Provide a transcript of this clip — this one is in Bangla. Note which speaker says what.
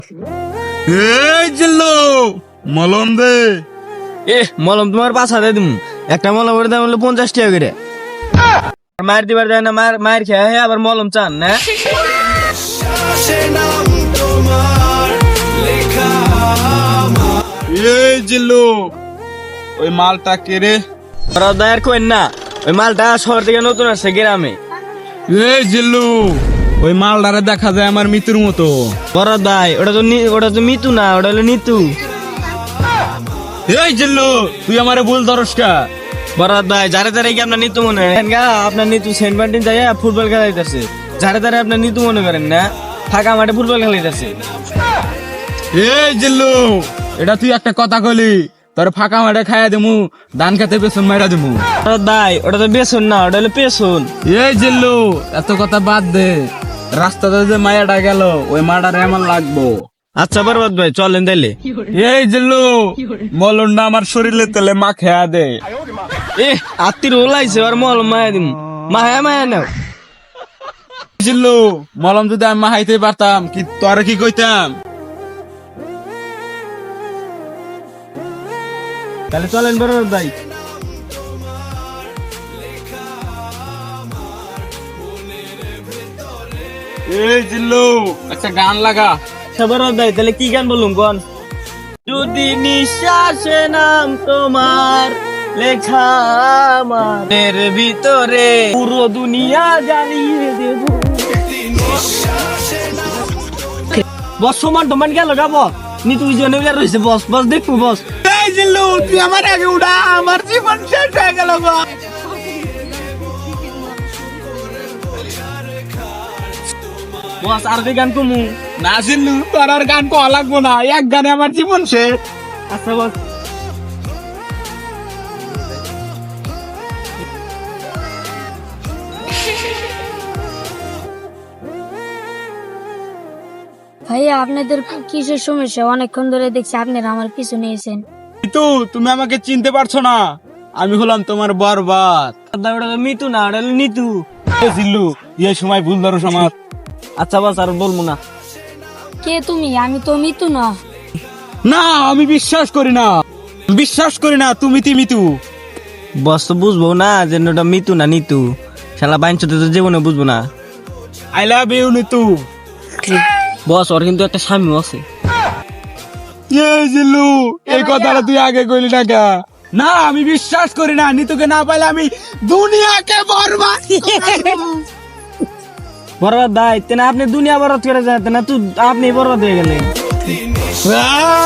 Speaker 1: এই জিল্লু মলম দে।
Speaker 2: মলম তোমার 5,000 দিম। একটা মলমের দাম হলো 50 টাকা করে। মার দিবার যায় না, মার খেয়ে আবার মলম চান না।
Speaker 1: এই জিল্লু ওই মালটা কে রে?
Speaker 2: দায়ের কইন না, ওই মালটা শহর থেকে নতুন আসছে গ্রামে।
Speaker 1: এই জিল্লু ওই মালটারে দেখা যায় আমার মৃত্যুর মতো।
Speaker 2: বড় দায়, ওটা তো মিতু না, ওটা হলো নিতু।
Speaker 1: এই জিল্লু তুই আমারে ভুল ধরস কা?
Speaker 2: বড় দায়, যারে যারে কি আপনার নিতু মনে করেন গা? আপনার নিতু সেন্ট মার্টিন যায় ফুটবল খেলাইতেছে। যারে যারে আপনার নিতু মনে করেন না, ফাঁকা মাঠে ফুটবল খেলাইতেছে।
Speaker 1: এই জিল্লু এটা তুই একটা কথা কইলি, তোর ফাঁকা মাঠে খাইয়া দেমু, ধান খেতে পেছন মাইরা দেমু।
Speaker 2: বড় দায়, ওটা তো বেসন না, ওটা হলো পেছন।
Speaker 1: এই জিল্লু এত কথা বাদ দে, রাস্তাতে যে মায়াটা গেল ওই মাটারে আমার লাগবো।
Speaker 2: আচ্ছা বরবাদ ভাই, চলেন তাইলে।
Speaker 1: এই জিল্লু মলনটা আমার শরীরে তেলে মা খেয়া দে।
Speaker 2: আত্মীর ওলাইছে আর মলম মায়া দিম। মায়া মায়া নাও।
Speaker 1: জিল্লু মলম যদি আমি মাহাইতে পারতাম কি তোরে কি কইতাম?
Speaker 2: তাহলে চলেন বরবাদ ভাই।
Speaker 1: এই জিল্লু একটা গান লাগা।
Speaker 2: আচ্ছা বরবাদ ভাই, তাহলে কি গান বলুন কোন? যদি নিঃশ্বাসে নাম তোমার লেখা আমার ভিতরে, পুরো দুনিয়া জ্বালিয়ে দেব। বস সমান টমান গেল গা বস। নিতু জনে রয়েছে বস, বস দেখবো বস।
Speaker 1: এই জিল্লু তুই আমার আগে উড়া, আমার জীবন শেষ হয়ে গেল গো।
Speaker 2: বস আর কি গান কমু?
Speaker 1: না জিল্লু তোর আর গান কওয়া লাগবো না, এক গানে আমার জীবন শেষ।
Speaker 2: আচ্ছা বস।
Speaker 3: ভাইয়া আপনাদের কিসের সমস্যা? অনেকক্ষণ ধরে দেখছি আপনারা আমার পিছু নিয়েছেন।
Speaker 1: কিন্তু তুমি আমাকে চিনতে পারছো না, আমি হলাম তোমার বরবাদ।
Speaker 2: ওটা তো মিতু না, ওটা হলো নিতু।
Speaker 1: এই জিল্লু এই সময় ভুল ধরো আমার।
Speaker 2: আচ্ছা বস আর বলবো না।
Speaker 3: কে তুমি? আমি তো মিতু না।
Speaker 1: না আমি বিশ্বাস করি না, বিশ্বাস করি না, তুমি মিতু।
Speaker 2: বস তো বুঝবো না যে ওটা মিতু না নিতু। শালা বাইনচতে তো জীবনে বুঝবো না।
Speaker 1: I love you Nitu.
Speaker 2: Boss ওর কিন্তু একটা স্বামীও আছে।
Speaker 1: এই জিল্লু এই কথাটা তুই আগে কইলি না কে? না আমি বিশ্বাস করি না, নিতুকে না পাইলে আমি দুনিয়াকে বরবাদ করব।
Speaker 2: বরবাদ দায় তেনা আপনি দুনিয়া বরবাদ করে যাতে না, তুই আপনি বরবাদ হয়ে গেলেন।